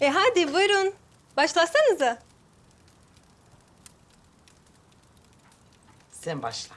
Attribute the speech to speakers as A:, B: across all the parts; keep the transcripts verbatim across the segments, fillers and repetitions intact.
A: E hadi buyurun. Başlasanıza.
B: Sen başla.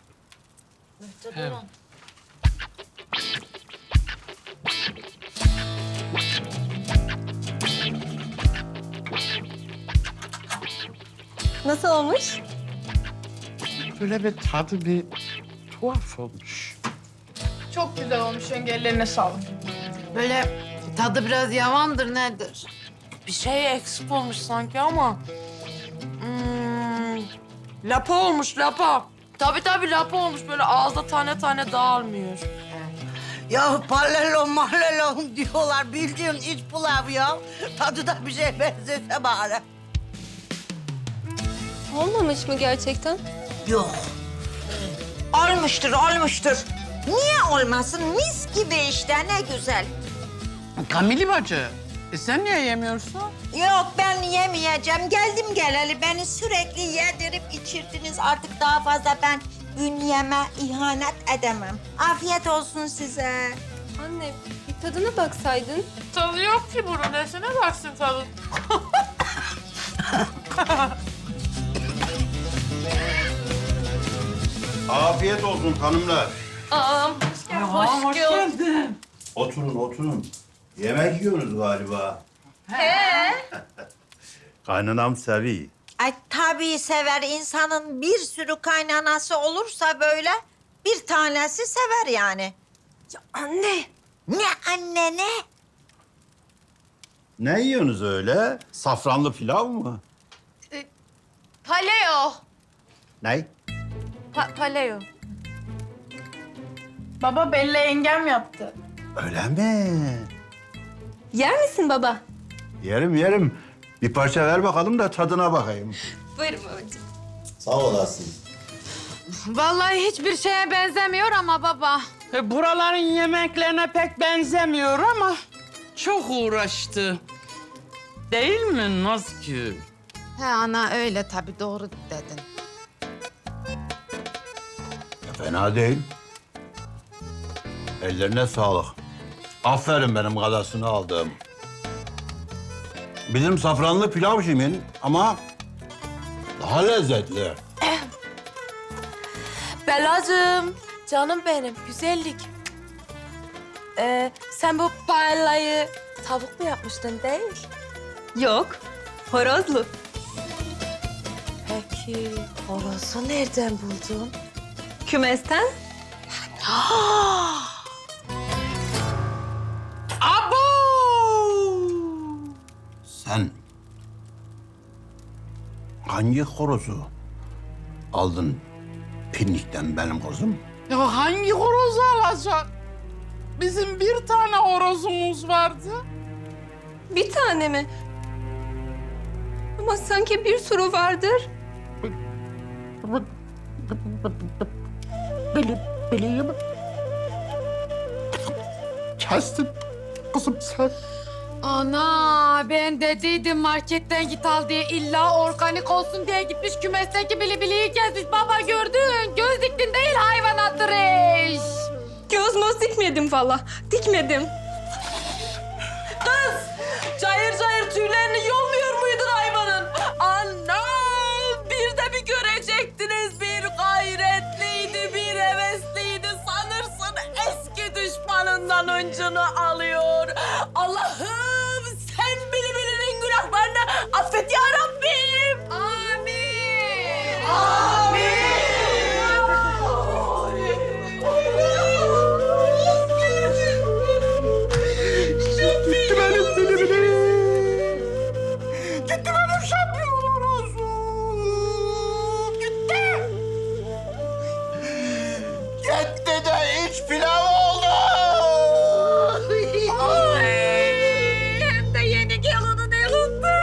A: Nasıl olmuş?
C: Böyle bir tadı bir tuhaf olmuş.
D: Çok güzel olmuş yenge, ellerine sağlık.
E: Böyle tadı biraz yavandır nedir?
B: Bir şey eksik olmuş sanki ama... Hmm, lapa olmuş, lapa. Tabii tabii lapa olmuş. Böyle ağızda tane tane dağılmıyor.
F: Ya pallelo mahllelo diyorlar. Bildiğin iç pilav ya. Tadı da bir şeye benzese bari.
A: Olmamış mı gerçekten?
F: Yok. Olmuştur, olmuştur. Niye olmasın? Mis gibi işte, ne güzel.
C: Kamili bacı, e sen niye yemiyorsun?
F: Yok, ben yemeyeceğim. Geldim geleli beni sürekli yedirip içirdiniz. Artık daha fazla ben bünyeme ihanet edemem. Afiyet olsun size.
A: Anne bir tadına baksaydın.
B: Tadı yok ki bunun. Nesine baksın tadı?
G: Afiyet olsun hanımlar.
B: Aa, hoş,
C: hoş
B: geldin.
C: geldin.
G: Oturun, oturun. Yemek yiyorsunuz galiba. He. Kaynanam sevi.
F: Ay tabii sever. İnsanın bir sürü kaynanası olursa böyle bir tanesi sever yani.
A: Ya anne.
F: Ne anne ne?
G: Ne yiyorsunuz öyle? Safranlı pilav mı?
B: Paleo.
G: Ne?
B: Pa paleo.
D: Baba Bella yengem yaptı.
G: Öyle mi?
A: Yer misin baba?
G: Yerim, yerim. Bir parça ver bakalım da tadına bakayım.
A: Buyurun babacığım.
G: Sağ olasın.
E: Vallahi hiçbir şeye benzemiyor ama baba.
C: E, buraların yemeklerine pek benzemiyor ama çok uğraştı. Değil mi Nazgül?
E: He ana öyle tabii doğru dedin.
G: Fena değil. Ellerine sağlık. Aferin benim kadasını aldım. Bizim safranlı pilav kimin ama daha lezzetli.
B: Belacığım, canım benim, güzellik. Ee, sen bu paellayı tavuk mu yapmıştın değil?
A: Yok. Horozlu.
B: Peki, horozu nereden buldun?
A: Kümesten.
C: Abo!
G: Sen hangi horozu aldın pinnikten benim kızım?
C: Ya hangi horozu alacak? Bizim bir tane horozumuz vardı.
A: Bir tane mi? Ama sanki bir sürü vardır.
C: Kestim kızım sen.
E: Ana ben dediydim marketten git al diye illa organik olsun diye gitmiş kümesteki bilibiliyi kesmiş. Baba gördün göz diktin değil hayvan attırış.
A: Göz möz dikmedim valla. Dikmedim.
B: Cayır cayır tüylerini yolmuyor muydun hayvanın? Anam! Bir de bir görecektiniz. Bir gayretliydi, bir hevesliydi. Sanırsın eski düşmanından öncünü alıyor. Allah'ım sen bili bilinin günahlarını affet ya Rabbim.
E: Amin.
B: Amin.
G: Gitti benim bilimini. Gitti benim şampiyon horozum. Gitti. Gitti de iç pilav oldu.
E: Hem de yeni gelinin elinde.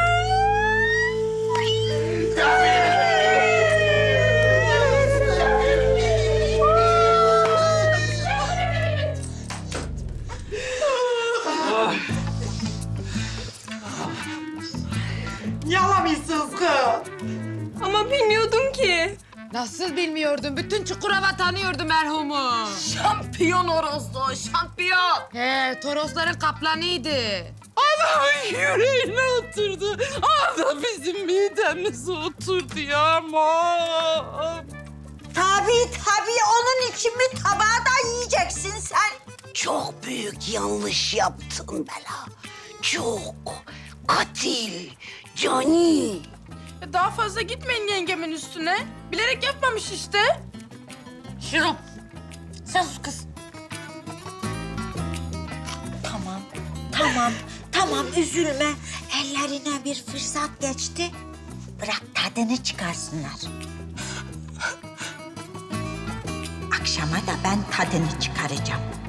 F: Yalamışsınız kız.
A: Ama bilmiyordum ki.
E: Nasıl bilmiyordun? Bütün Çukurova tanıyordu merhumu.
B: Şampiyon horozdu, şampiyon.
E: He, Torosların kaplanıydı.
C: Ana yüreğine oturdu. Ah da bizim midemize oturdu ya aman.
F: Tabii tabii onun için mi tabağı da yiyeceksin sen?
H: Çok büyük yanlış yaptın Bela. Çok. Katil. Cani.
D: E, Daha fazla gitmeyin yengemin üstüne. Bilerek yapmamış işte.
H: Şirin. Sen sus kız.
F: Tamam, tamam, tamam üzülme. Ellerine bir fırsat geçti. Bırak tadını çıkarsınlar. Akşama da ben tadını çıkaracağım.